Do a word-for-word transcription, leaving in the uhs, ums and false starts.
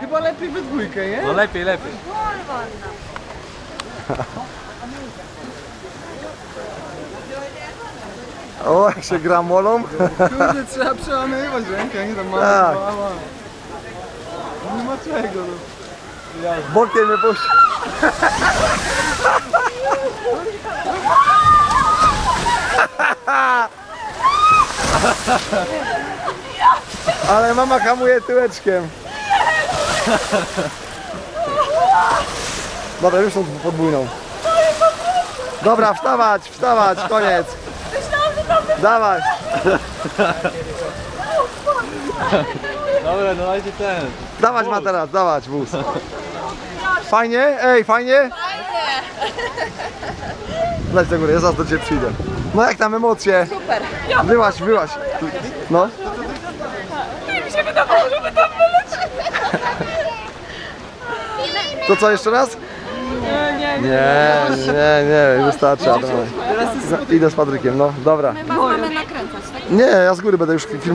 Chyba lepiej we dwójkę, nie? No lepiej, lepiej. O, jak się gra molą. Kurde, trzeba przełamywać rękę, nie tam mała, Tak. mała. Nie ma czego, no. Bokiem mnie puść. Ale mama hamuje tyłeczkiem. Dobra, już tą podwójną. Dobra, wstawać, wstawać, koniec. Dawaj. Dobra, no dajcie ten. Dawać ma teraz, dawać wóz. Fajnie? Ej, fajnie? Fajnie. Leć do góry, ja zaraz do ciebie przyjdę. No jak tam emocje? Super. Byłaś, byłaś. No. Mi się wydawało, że my tam wylecimy. To co, jeszcze raz? Nie, nie, nie. Nie, nie, nie, wystarczy. Adam. Idę z Patrykiem, no, dobra. Mamy nakręcać, tak? Nie, ja z góry będę już film.